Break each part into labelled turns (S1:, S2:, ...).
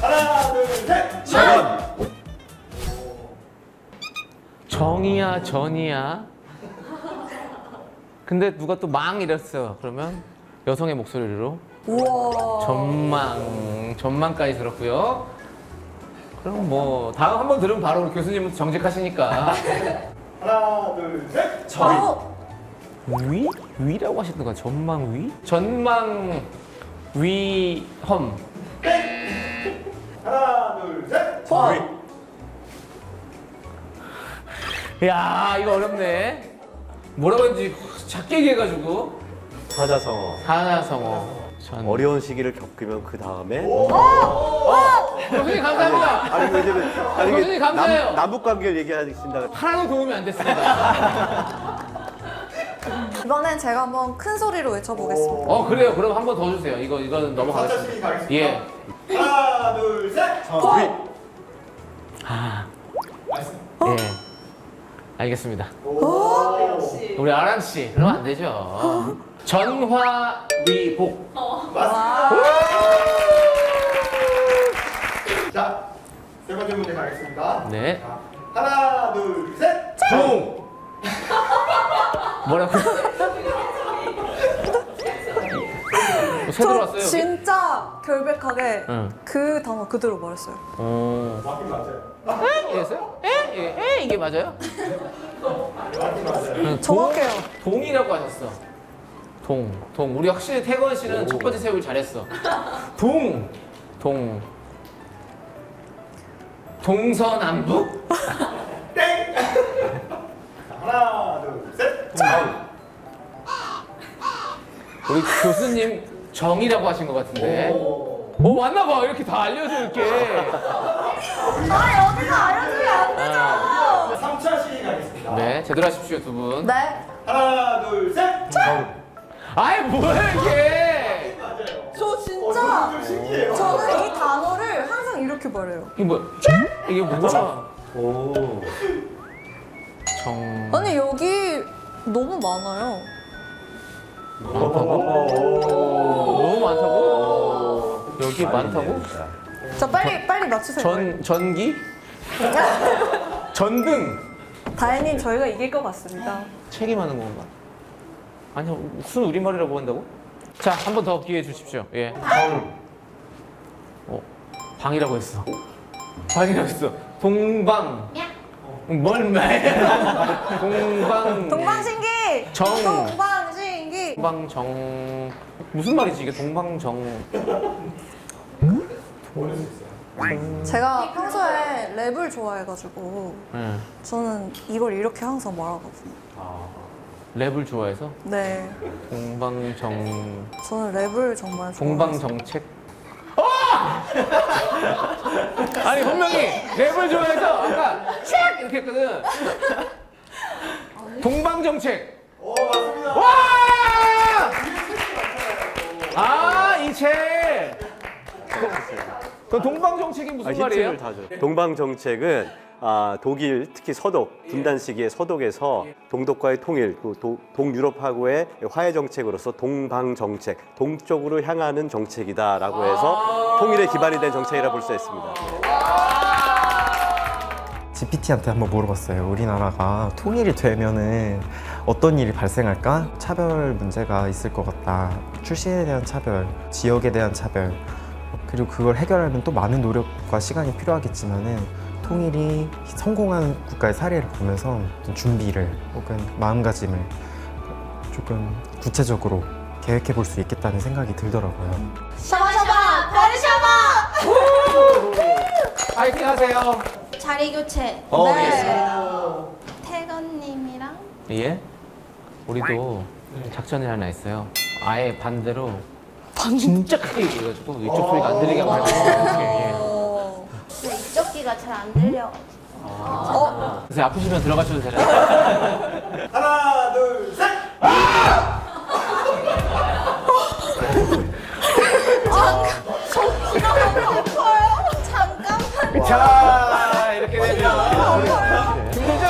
S1: 하나, 둘, 셋.
S2: 정이야, 전이야. 근데 누가 또 망 이랬어. 그러면 여성의 목소리로
S3: 우와.
S2: 전망까지 들었고요. 그럼 뭐 다음 한 번 들으면 바로 교수님은 정직하시니까.
S1: 하나, 둘, 셋.
S2: 위? 위라고 하셨던 거 전망 위? 전망 위험.
S1: 하나, 둘, 셋.
S2: 야, 이거 어렵네. 뭐라고 했는지 작게 얘기해가지고.
S4: 사자성어.
S2: 하나성어. 전.
S4: 어려운 시기를 겪으면 그 다음에
S2: 교수님 감사합니다.
S4: 아니 왜냐면
S2: 교수님 감사해요.
S4: 남북 관계를 얘기하신다.
S2: 하나도 도움이 안 됐습니다.
S3: 이번엔 제가 한번 큰 소리로 외쳐보겠습니다.
S2: 그래요. 그럼 한 번 더 주세요. 이거는 넘어가겠습니다.
S1: 4차 시기 가겠습니다.
S2: 예.
S1: 하나, 둘, 셋.
S2: 예. 알겠습니다. 우리 아랑 씨, 그러면 안 되죠. 전화위복.
S1: 자, 세 번째 문제 가겠습니다.
S2: 네.
S1: 자, 하나, 둘, 셋.
S4: 종.
S2: 뭐라고? 새
S3: 저
S2: 들어왔어요.
S3: 진짜 결백하게
S2: 응.
S3: 그 단어 그대로 말했어요.
S1: 맞긴 맞아요.
S2: 이랬어요? 이게 맞아요?
S3: 정확해요.
S2: 동이라고 하셨어. 동. 우리 확실히 태건 씨는 첫 번째 세우기 잘했어. 동. 동서남북?
S1: 땡. 자, 하나, 둘, 셋.
S2: 우리 교수님 정이라고 하신 것 같은데. 맞나 봐. 이렇게 다 알려줘 이렇게.
S3: 여기서 알려주면 안 되죠.
S1: 3차 시기 가겠습니다.
S2: 네, 제대로 하십시오 두 분.
S3: 네.
S1: 하나, 둘, 셋.
S2: 아이 뭐야 이게?
S1: 맞아요.
S3: 저 진짜
S1: 좀 신기해요.
S3: 저는 이 단어를 항상 이렇게 말해요.
S2: 이게 뭐야? 이게 뭐야?
S4: 오.
S2: 정.
S3: 아니 여기 너무 많아요.
S2: 너무 많다고? 여기 많다고?
S3: 자 빨리 맞추세요.
S2: 전기? 전등?
S3: 다혜님 저희가 이길 것 같습니다.
S2: 책임하는 건가? 아니요, 무슨 우리말이라고 한다고? 자, 한 번 더 기회 주십시오. 예. 방이라고 했어. 방이라고 했어. 동방. 뭘 말이야?
S3: 동방신기.
S2: 정.
S3: 동방신기.
S2: 동방정. 무슨 말이지 이게 동방정.
S3: 제가 평소에 랩을 좋아해가지고
S2: 예.
S3: 저는 이걸 이렇게 항상 말하거든요.
S2: 랩을 좋아해서
S3: 네.
S2: 동방정.
S3: 저는 랩을 정말 좋아해요.
S2: 동방정책. 아니 분명히 랩을 좋아해서 아까 책 이렇게 했거든. 동방정책.
S1: 맞습니다.
S2: 와! 이 책. 그 동방정책이 무슨 말이에요?
S4: 힌트를 다 줘. 동방정책은 독일 특히 서독 분단 시기의 서독에서 동독과의 통일, 또 동유럽하고의 화해 정책으로서 동방정책, 동쪽으로 향하는 정책이다라고 해서 통일에 기반이 된 정책이라 볼 수 있습니다.
S5: GPT한테 한번 물어봤어요. 우리나라가 통일이 되면은 어떤 일이 발생할까? 차별 문제가 있을 것 같다. 출신에 대한 차별, 지역에 대한 차별, 그리고 그걸 해결하려면 또 많은 노력과 시간이 필요하겠지만은 통일이 성공한 국가의 사례를 보면서 좀 준비를 혹은 마음가짐을 조금 구체적으로 계획해 볼 수 있겠다는 생각이 들더라고요.
S6: 샤바샤바 베르샤바
S2: 파이팅 하세요.
S6: 자리 교체
S3: 네.
S6: 태건님이랑
S2: 예? 우리도 작전이 하나 있어요. 아예 반대로 진짜 크게 얘기해가지고 이쪽 소리가 안 들리게 하고 예.
S6: 근데 이쪽 귀가 잘 안 들려.
S2: 그래서 아프시면 들어가셔도 되나요?
S1: 하나, 둘, 셋.
S6: 잠깐만.
S2: 자 이렇게 되면 힘들죠?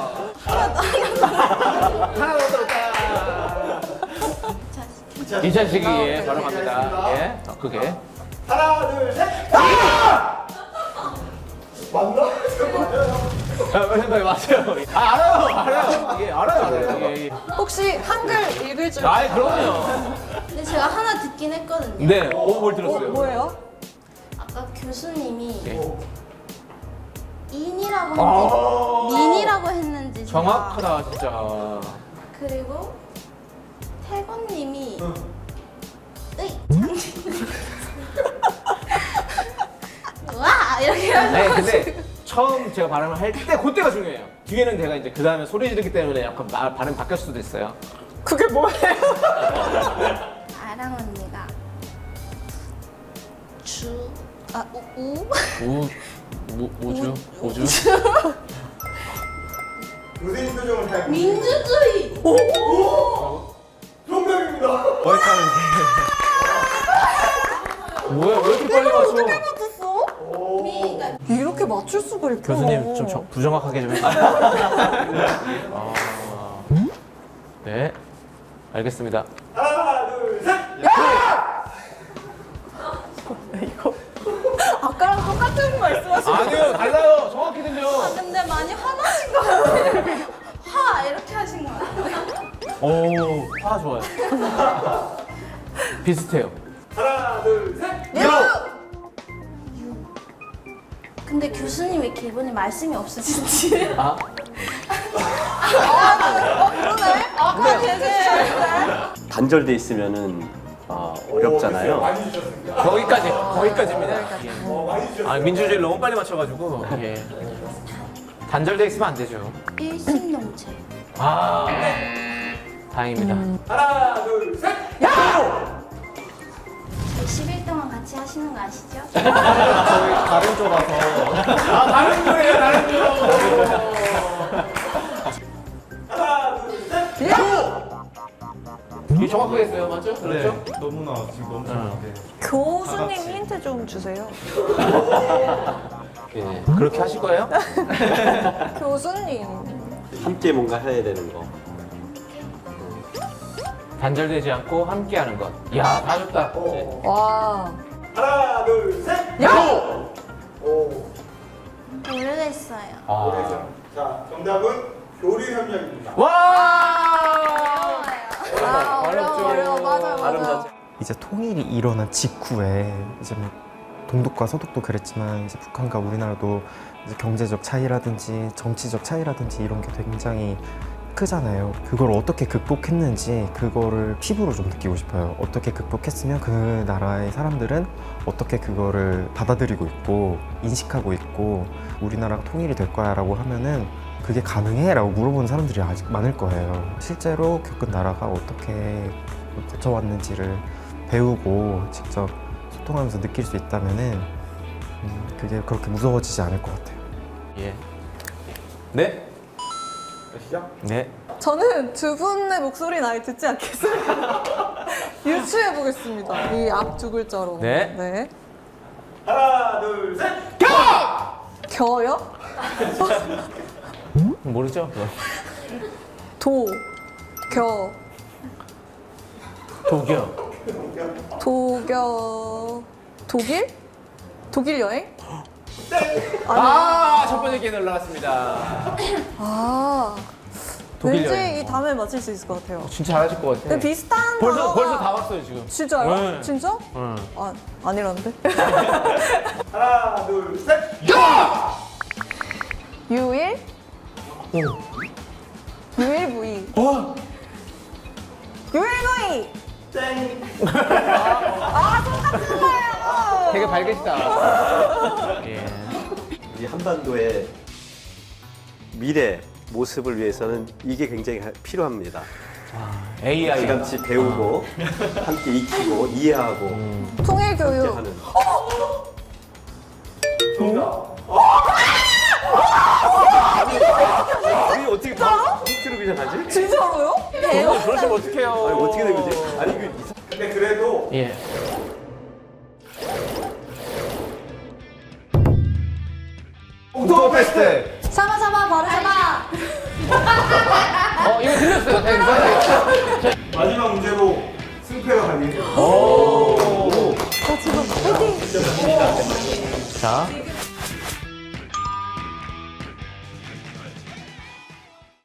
S2: 하나 더 들었다. 2차 시기에 바로 갑니다. 예, 더 크게.
S1: 하나, 둘, 셋. 맞나?
S2: 맞아요. 알아요. 예, 알아요. 예.
S3: 혹시 한글 읽을 줄
S2: 아, 그럼요.
S6: 근데 제가 하나 듣긴 했거든요.
S2: 네, 뭘 들었어요?
S3: 뭐예요?
S6: 아까 교수님이
S2: 예.
S6: 인이라고 했는지 민이라고 했는지 제가.
S2: 정확하다, 진짜.
S6: 그리고 태건님이 으이 와 이렇게
S2: 네,
S6: 하셔가지고
S2: 근데 처음 제가 발음을 할 때 그때가 중요해요. 뒤에는 제가 이제 그 다음에 소리 지르기 때문에 약간 발음 바뀔 수도 있어요.
S3: 그게 뭐예요?
S6: 아랑 언니가
S2: 우주?
S1: 교수님 표정을 잘.
S6: 민주주의
S1: 정답입니다.
S2: 뭐야, 왜 이렇게 빨리 맞춰?
S6: 그러니까
S3: 이렇게 맞출 수가 있구나.
S2: 교수님 좀 부정확하게 좀 해주세요. 아, 네, 알겠습니다.
S1: 하나, 둘, 셋.
S3: 아까랑 똑같은 말씀하시는
S2: 아니요, 달라요. 정확히 들려.
S6: 근데 많이 화나신 거 같아요. 화 이렇게 하신 거 같아요.
S2: 오, 화 좋아요. 비슷해요.
S1: 하나, 둘, 셋.
S6: 근데 교수님 왜 기분이 말씀이 없으신지.
S2: 아,
S3: 아까 되게
S4: 단절돼 있으면은 어렵잖아요.
S1: 많이 주셨습니다.
S2: 거기까지입니다.
S1: 많이 주셨어요.
S2: 아, 민주주의를 너무 빨리 맞춰가지고. 예. 단절돼 있으면 안 되죠.
S6: 일심동체.
S2: 아, 다행입니다.
S1: 하나, 둘, 셋.
S6: 10일 동안 같이 하시는 거 아시죠?
S5: 저희 다른 쪽 와서
S2: 아, 다른 거예요, 다른 거.
S1: 하나, 둘, 셋.
S2: 이게 정확하게 했어요, 맞죠? 그렇죠?
S5: 너무나 지금 너무
S2: 응.
S3: 교수님 힌트 좀 주세요.
S2: 예. 그렇게 하실 거예요?
S3: 교수님.
S4: 함께 뭔가 해야 되는 거.
S2: 단절되지 않고 함께하는 것. 이야, 다 좋다. 네.
S3: 와.
S1: 하나, 둘, 셋. 오.
S6: 모르겠어요.
S2: 아.
S1: 자, 정답은 교류 협력입니다.
S2: 와!
S3: 아, 어려워. 맞아요,
S4: 발음
S3: 맞아요.
S4: 자체.
S5: 이제 통일이 일어난 직후에 이제 뭐 동독과 서독도 그랬지만 이제 북한과 우리나라도 이제 경제적 차이라든지 정치적 차이라든지 이런 게 굉장히 크잖아요. 그걸 어떻게 극복했는지 그거를 피부로 좀 느끼고 싶어요. 어떻게 극복했으면 그 나라의 사람들은 어떻게 그거를 받아들이고 있고 인식하고 있고 우리나라가 통일이 될 거야 라고 하면은 그게 가능해? 라고 물어보는 사람들이 아직 많을 거예요. 실제로 겪은 나라가 어떻게 거쳐왔는지를 배우고 직접 소통하면서 느낄 수 있다면은 그게 그렇게 무서워지지 않을 것 같아요.
S2: 예. 네?
S1: 시작.
S2: 네.
S3: 저는 두 분의 목소리는 아예 듣지 않겠습니다. 유추해 보겠습니다. 이 앞 두 글자로.
S2: 네.
S3: 네.
S1: 하나, 둘, 셋.
S3: 겨요?
S2: 모르죠? 그거.
S3: 도. 겨.
S2: 독이요.
S3: 도겨. 독일? 독일 여행?
S2: 아, 첫 번째 기회 올라갔습니다.
S3: 아.
S2: 독일
S3: 왠지
S2: 여행.
S3: 이 다음에 맞힐 수 있을 것 같아요.
S2: 진짜 잘하실 것 같아.
S3: 근데 비슷한
S2: 벌써
S3: 단어가-
S2: 다 왔어요, 지금.
S3: 진짜요?
S2: 네.
S3: 진짜?
S2: 응.
S3: 아, 아니라는데?
S1: 하나, 둘, 셋.
S3: 유일? 유일무이. 유일무이!
S1: 땡.
S2: 되게 밝으시다. 예.
S4: 이 한반도의 미래 모습을 위해서는 이게 굉장히 필요합니다.
S2: AI.
S4: 같이 배우고 함께 익히고 이해하고
S3: 통일교육.
S4: 함께 하는.
S1: 정답.
S4: 아니 어떻게 다 힌트로 그냥 하지?
S3: 진짜로요?
S2: 그러시면 어떡해요.
S4: 아니 어떻게 된 거지? 아니 그
S1: 근데 그래도
S2: 예.
S1: 옥토버페스트.
S3: 사바사바 바르사바!
S2: 이거 들렸어요. 되게
S1: 마지막 문제로 승패가 갈리죠.
S3: 아,
S2: 자,